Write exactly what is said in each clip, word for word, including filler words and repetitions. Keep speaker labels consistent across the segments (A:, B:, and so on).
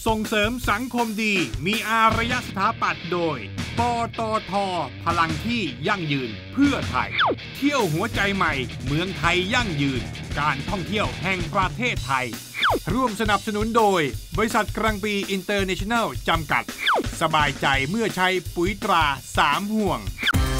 A: ส่งเสริมสังคมดีมีอารยสถาปัตย์โดยปตท.พลังที่ยั่งยืนเพื่อไทยเที่ยวหัวใจใหม่เมืองไทยยั่งยืนการท่องเที่ยวแห่งประเทศไทยร่วมสนับสนุนโดยบริษัทกรังปีอินเตอร์เนชั่นแนลจำกัดสบายใจเมื่อใช้ปุ๋ยตราสามห่วง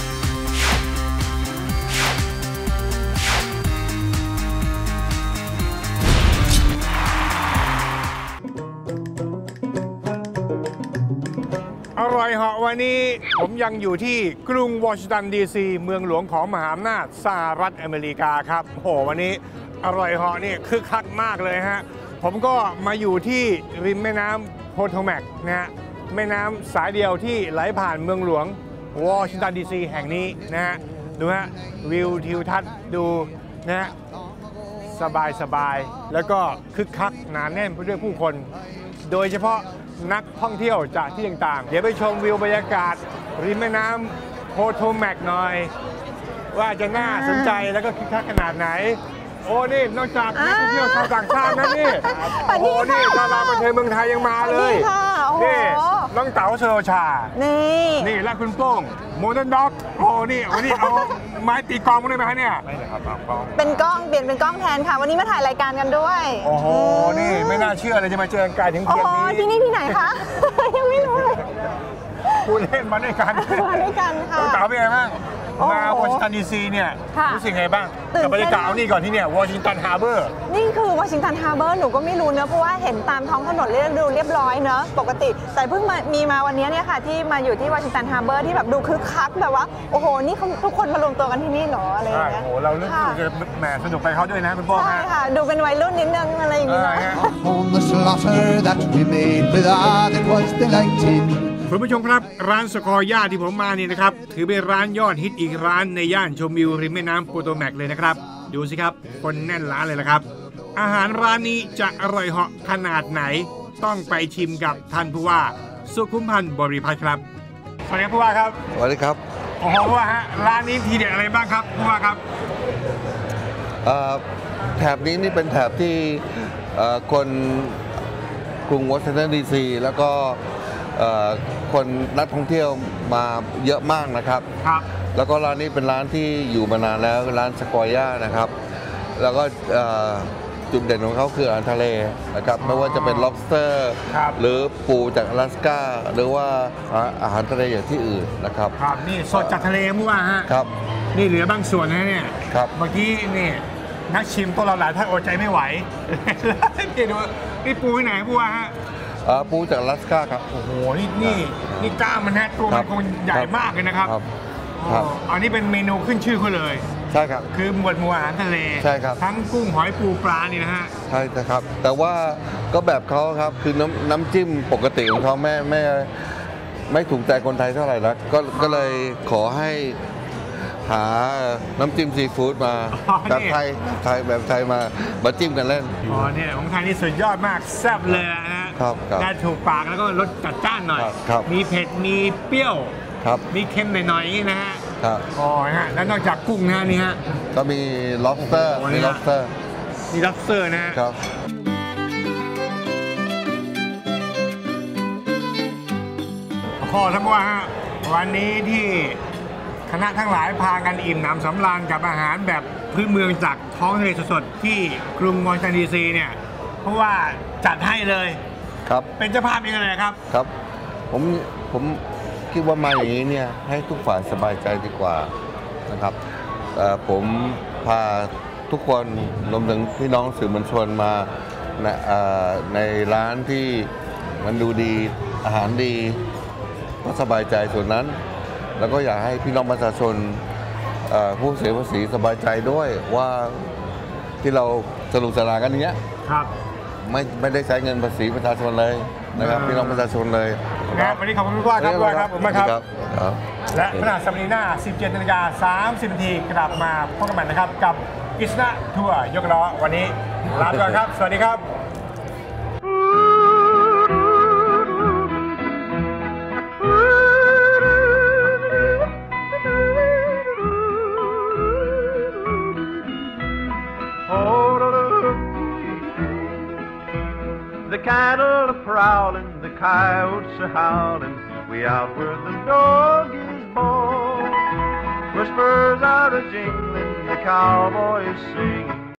A: อร่อยเหาะวันนี้ผมยังอยู่ที่กรุงวอชิงตันดีซีเมืองหลวงของมหาอำนาจสหรัฐอเมริกาครับโอ้โหวันนี้อร่อยเหาะนี่คึกคักมากเลยฮะผมก็มาอยู่ที่ริมแม่น้ำโพโทแมกนะฮะแม่น้ำสายเดียวที่ไหลผ่านเมืองหลวงวอชิงตันดีซีแห่งนี้นะฮะดูฮะวิวทิวทัศน์ดูนะฮะสบายสบายแล้วก็คึกคักหนาแน่นไปด้วยผู้คนโดยเฉพาะนักท่องเที่ยวจากที่ต่างๆเดี๋ยวไปชมวิวบรรยากาศริมแม่น้ำโพโทแมกหน่อยว่าจะน่าสนใจแล้วก็คึกคักขนาดไหนโอ้นี่นอกจากนักท่องเที่ยวชาวต่างชาตินะนี่โอ้นี่ดาราประเทศเมืองไทยยังมาเลยนี่น้องเต๋าเชโรชานี่นี่และคุณโป้งโมเดิร์นด็อกโอ้นี่วันนี้เอาไม้ตีกลองมาได้ไหมฮะเนี่ยไม่เลยครับกล้อง
B: เป็นกล้องเปลี่ยนเป็นกล้องแทนค่ะวันนี้มาถ่ายรายการกันด้วย
A: โอ้โหนี่ไม่น่าเชื่อเลยจะมาเจอกันไกลถึงเพียงนี้
B: ที่นี่ที่ไหนคะยังไม่รู้เลย
A: คุณเล่นมาด้วยกัน
B: มาด้วยกันค่ะ
A: น้องเต๋าเป็นไงบ้างมาวอชิงตันดีซีเนี่ยรู้สึกไงบ้างกับบรรยากาศนี่ก่อนที่เนี่ยวอชิงตันฮาร์เบอร์
B: นี่คือวอชิงตันฮาร์เบอร์หนูก็ไม่รู้เนอะเพราะว่าเห็นตามท้องถนนเรียบดูเรียบร้อยเนอะปกติแต่เพิ่งมามีมาวันนี้เนี่ยค่ะที่มาอยู่ที่วอชิงตันฮาร์เบอร์ที่แบบดูคึกคักแบบว่าโอ้โหนี่ทุกคนมารวมตัวกันที่นี่เหรออะไรอย่างเงี้ย
A: โอ้โหเราเลือกจะแหมสนุกไปเขาด้วยนะคุณป้อง
B: ใช่ค่ะดูเป็นวัยรุ่นนิดนึงอะไรอย่างเงี้ย
A: คุณผู้ชมครับร้านสกอร์ย่าที่ผมมานี่นะครับถือเป็นร้านยอดฮิตอีกร้านในย่านชมวิวริมแม่น้ำโพโทแมกเลยนะครับดูสิครับคนแน่นร้านเลยละครับอาหารร้านนี้จะอร่อยเหาะขนาดไหนต้องไปชิมกับท่านผู้ว่าสุขุมพันธ์บริพัตรครับสวัสดีครับผู้ว่าครับ
C: สวัสดีครับ
A: โอ้โหผู้ว่าฮะร้านนี้ทีเด็ดอะไรบ้างครับผู้ว่าครับ
C: แถบนี้นี่เป็นแถบที่คนกรุงวอชิงตันดีซีแล้วก็คนนักท่องเที่ยวมาเยอะมากนะครับ
A: ครับ
C: แล้วก็ร้านนี้เป็นร้านที่อยู่มานานแล้วร้านสกอร์ย่านะครับแล้วก็จุดเด่นของเขาคืออาหารทะเลนะครับไม่ว่าจะเป็น lobster หรือปูจากอลาสก้าหรือว่าอาหารทะเลอย่างที่อื่นนะครับ
A: ครับนี่สดจากทะเลมั้งว่าฮะ
C: ครับ
A: นี่เหลือบางส่วนนะเนี่ย
C: ครับ
A: เมื่อกี้นี่นักชิมตัวเราหลายท่านอดใจไม่ไหวนี่ดูนี่ปูที่ไหนผู้ว่าฮะ
C: ปูจากอลาสก้าครับ
A: โอ้โหนี่นี่นี่กล้ามมันฮะตัวมันคงใหญ่มากเลยนะครับ
C: ครับ
A: อันนี้เป็นเมนูขึ้นชื่อเขาเลย
C: ใช่ครับ
A: คือหมวดหมู่อาหารทะเล
C: ใช่ครับ
A: ทั้งกุ้งหอยปูปลานี่นะฮะ
C: ใช่ครับแต่ว่าก็แบบเขาครับคือน้ำน้ำจิ้มปกติของเขาไม่ไม่ไม่ถูกใจคนไทยเท่าไหร่แล้วก็ก็เลยขอให้หาน้ำจิ้มซีฟู้ดมาแบบไทยไทยแบบไทยมามาจิ้มกันเล่น
A: อ๋อเนี่ยของไทยนี่สุดยอดมากแซ่บเลยนะครับได้ถูกปากแล้วก็รสจัดจ้านหน่อยมีเผ็ดมีเปรี้ยวมีเค็มหน่อยๆอย่างนี้นะฮะอ๋อฮะแล้วนอกจากกุ้งนะนี่ฮะ
C: ก็มี lobster มี lobster
A: มี lobster นะครับขอทั้งว่าฮะวันนี้ที่คณะทั้งหลายพากันอิ่มหนำสำราญกับอาหารแบบพื้นเมืองจากท้องทะเลสดๆที่กรุงวอชิงตันดีซีเนี่ยเพราะว่าจัดให้เลย
C: ครับ
A: เป็นเจ้าภาพเองเลยครับ
C: ครับผมผมคิดว่ามาอย่างนี้เนี่ยให้ทุกฝ่ายสบายใจดีกว่านะครับผมพาทุกคนรวมถึงพี่น้องสื่อมวลชนมาในร้านที่มันดูดีอาหารดีก็สบายใจส่วนนั้นแล้วก็อยากให้พี่น้องประชาชนผู้เสียภาษีสบายใจด้วยว่าที่เราสรุปสลากันอย่างเงี้ย
A: ครับ
C: ไม่ไม่ได้ใช้เงินภาษีประชาชนเลยนะครับพี่น้องประชาชนเลย
A: ครับวันนี้ขอบคุณผู้ว่าครับผู้ว่าครับผมครับและพฤหัสบดีหน้า สิบเจ็ดนาฬิกาสามสิบนาทีกลับมาพบกันใหม่นะครับกับกฤษณะทัวร์ยกล้อวันนี้ลาไปก่อนครับสวัสดีครับ
D: The cattle are prowling, the coyotes are howling, way out where the dog is born. Where spurs are a jingling, the cowboy is singing.